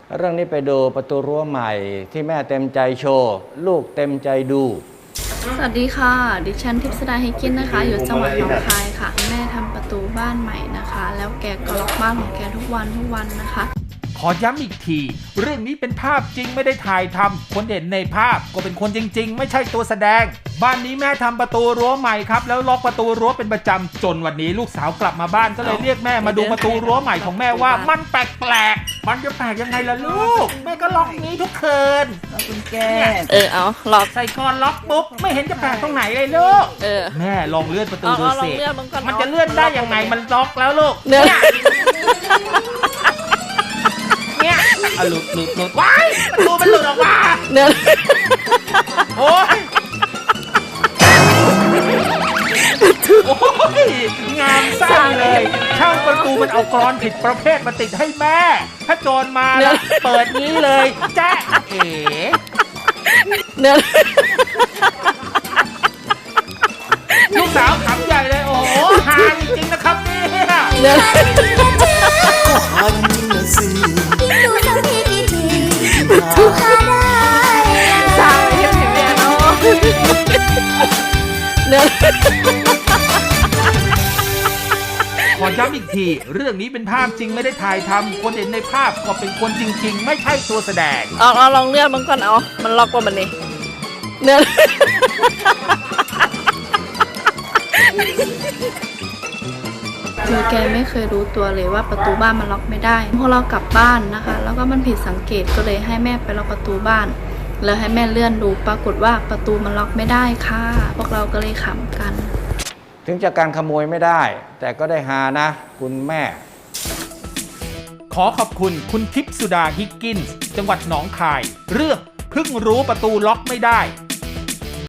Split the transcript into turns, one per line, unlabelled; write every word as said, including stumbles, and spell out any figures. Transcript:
เรื่องนี้ไปดูประตูรั้วใหม่ที่แม่เต็มใจโชว์ลูกเต็มใจดู
สวัสดีค่ะดิฉันทิพย์สดาเฮกินนะคะอยู่จังหวัดหนองคายค่ะแม่ทำประตูบ้านใหม่นะคะแล้วแกก็ล็อกบ้านของแกทุกวันทุกวันนะคะ
ขอย้ำอีกทีเรื่องนี้เป็นภาพจริงไม่ได้ถ่ายทำคนเห็นในภาพก็เป็นคนจริงๆไม่ใช่ตัวแสดงบ้านนี้แม่ทำประตูรั้วใหม่ครับแล้วล็อกประตูรั้วเป็นประจำจนวันนี้ลูกสาวกลับมาบ้านก็เลยเรียกแม่มาดูประตูรั้วใหม่ของแม่ว่ามันแปลกๆมันจะแปลกยังไงล่ะลูกแม่ก็ล็อกนี้ทุกคืน
แล้วคุณแก
เออเอาล็อก
ใส่กรล็อกปุ๊บไม่เห็นจะแปลกตรงไหนเลยลูก
เออ
แม่ลองเลื่อนประตู
เอา
ดู
เอาลอ
สิ
งเลื่อนมันก่อน
มันจะเลื่อนได้ยังไงมันล็อกแล้วลูก
เนื้อ
เนี่ยอ่ะหลุดหลุดหลุดว้ายประตูมันหลุดออกมา
เนื้อ
โอ้ยโอ้ยงามไส้เลยช่างประตูมันเอากรอนผิดประเภทมาติดให้แม่ ถ้าโจรมาแล้วเปิดนี้เลยแจ๊ะเอ๋
เนื้อ
ลูกสาวขำใหญ่เลยโอ้โหฮาจริงๆนะครับเนี่ย
เนื้อ
หันนะสิ
ดูสักทีกี่ทีทุกท่าได้
สาวเฮียพี่แม่เนาะเนื้อ
ขอย้ำอีกทีเรื่องนี้เป็นภาพจริงไม่ได้ถ่ายทำคนเห็นในภาพก็เป็นคนจริงๆไม่ใช่ตัวแสดง
เอาเอาลองเลื่อนมันก่อนเอามันล็อกว่ามันนี่เนื้อคือแกไม่เคยรู้ตัวเลยว่าประตูบ้านมันล็อกไม่ได้พอเรากลับบ้านนะคะ แล้วก็มันผิดสังเกตก็เลยให้แม่ไปล็อกประตูบ้าน แล้วให้แม่เลื่อนดูปรากฏว่าประตูมันล็อกไม่ได้ค่ะพวกเราก็เลยขำกัน
ถึงจะการขโมยไม่ได้ แต่ก็ได้หานะ คุณแม่
ขอขอบคุณคุณทิพย์สุดาฮิกกินส์จังหวัดหนองคาย เรื่องเพิ่งรู้ประตูล็อกไม่ได้